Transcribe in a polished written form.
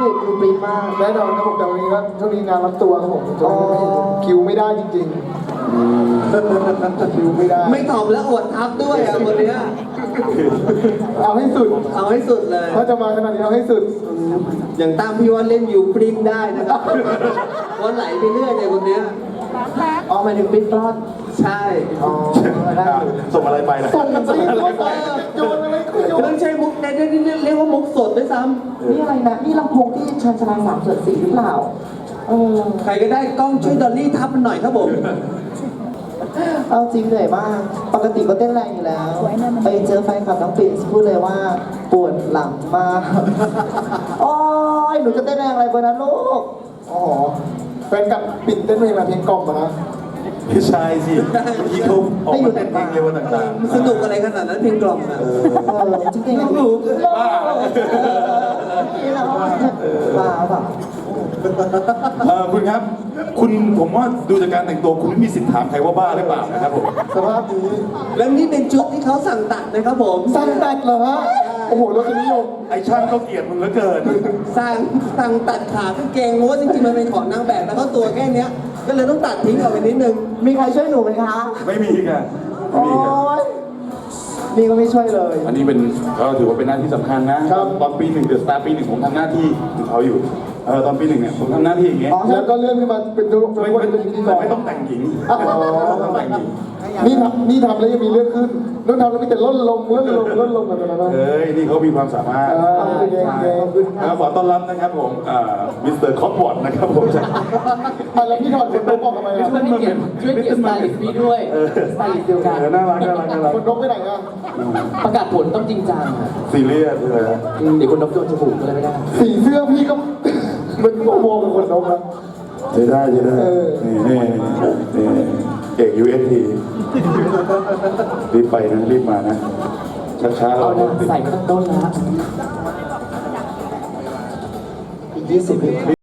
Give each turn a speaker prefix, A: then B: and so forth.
A: เอกดูปริ้นมาก
B: แน่นอนครับผมแต่วันนี้ก็ช่วงนี้งานรับตัวครับผมคิวไม่ได้จริงๆคิวไม่ได้
C: ไม่ตอบแล้วอวดทับด้วยอ่ะคนเนี้ย
B: เอาให้สุด
C: เอาให้สุดเลย
B: ถ้าจะมาขนาดนี้เอาให้สุด
C: อย่างตามพี่ว่าเล่นยูปรินได้นะครับวันไหลไปเรื่อยเลยคนเนี้ย
A: อ๋อหมายถึงปริ้นปลอด
C: ใช่
A: อ๋อได้อยู่
D: ส่งอะไรไปล่ะ
B: ส่งสิโยนอะไรก็โยน
C: ไม่ใช่มุกในนี่เรียกว่ามุกสดด้วยซ้
A: นี่อะไรนะนี่ลำโพงที่ชันชาลา3/4หรือเปล่า
C: ำใครก็ได้กล้องช่วยดอลลี่ทับมันหน่อยครับผม
A: เอาจริงเหนื่อยมากปกติก็เต้นแรงอยู่แล้วไปเจอแฟนคลับน้องปิ่นพูดเลยว่าปวดหลังมากโอ้ยหนูจะเต้นแรงอะไรเบอร์นั้นลูก
B: อ๋อแฟนกับปิ่นเต้นเพลงอะไรเพลงกล่อมนะ
D: ไม่ใช่สิเมื่อกี้เขาออกมาเต้นเพลงเร็วต่าง
C: สนุกอะไรขนาดนั้นเพลงกล่อมนะ
A: จริงๆ
C: รู้
A: บ้าบ้าเปล่า
D: คุณครับ คุณผมว่าดูจากการแต่งตัวคุณไม่มีสิทธิ์ถามใครว่าบ้าหรือเปล่านะครับผม
B: สภาพนี้
C: แล้วนี่เป็นชุดที่เขาสั่งตัดนะครับผม
B: สั้นแบดเหรอฮะโอ้โหรสนิยม
D: ไอ้ช่างก็เกลียดมึงเหลือเกิน
C: สั่งตัดขากางเกงเพราะว่าจริงๆมันเป็นของนางแบบแล้วก็ตัวแค่เนี้ยก็เลยต้องตัดทิ้งออกไปนิดนึง
A: มีใครช่วยหนูไหมคะ
D: ไม่มีค่ะไม่
A: โอ้
D: มีค่ะ
A: ยนี่ก็ไม่ช่วยเลย
D: อันนี้เป็นก็ถือว่าเป็นหน้าที่สำคัญนะตอนปีหนึ่งเดือดสตาร์ปีหนึ่งผมทำหน้าที่ของเขาอยู่ตอนปีหนึ่งเนี่ยผมทำหน้าที่อย่างเงี้ย
B: แล้วก็เลื่อนขึ้นมาเป็นตัวเป็นพิธีกร
D: ไม่ต้องแต่งหญิง
B: อ๋อ
D: ไม่ต้องแต่งหญิง
B: นี่ทำแล้วยังมีเรื่องขึ้นนู่นทำแล้วมีแต่ลดลงแบบนั้นนะ
D: เฮ้ยนี่เขามีความสามารถ
B: เก่ง
D: ขอต้อนรับนะครับผมมิสเตอร์คอปวอร์ดนะครับผมจาก
B: แล้วพี่ถอดคนนกออกทำไมอ่ะ
A: ช่วยเกียรติสไตลิสต์พี่ด้วยสไตลิสต์เดียวกัน
D: น่ารักน่ารักน่ารัก
B: คนนกไปไหนอ่ะ
A: ประกาศผลต้องจริงจังอะ
D: ซีเรียสเลย
A: เดี๋ยวคนนกโดนจมูกก็เลยไม่ได้
B: สีเสื้อพี่ก็มันโมเป็นคนนกนะ
D: ใช่ได้ใช่ได้นี่เอกUST รีบไปนะรีบมานะช้าๆเรา
A: เอาหน้าใส่มาตั้งต้นแล้วอีก20 วิ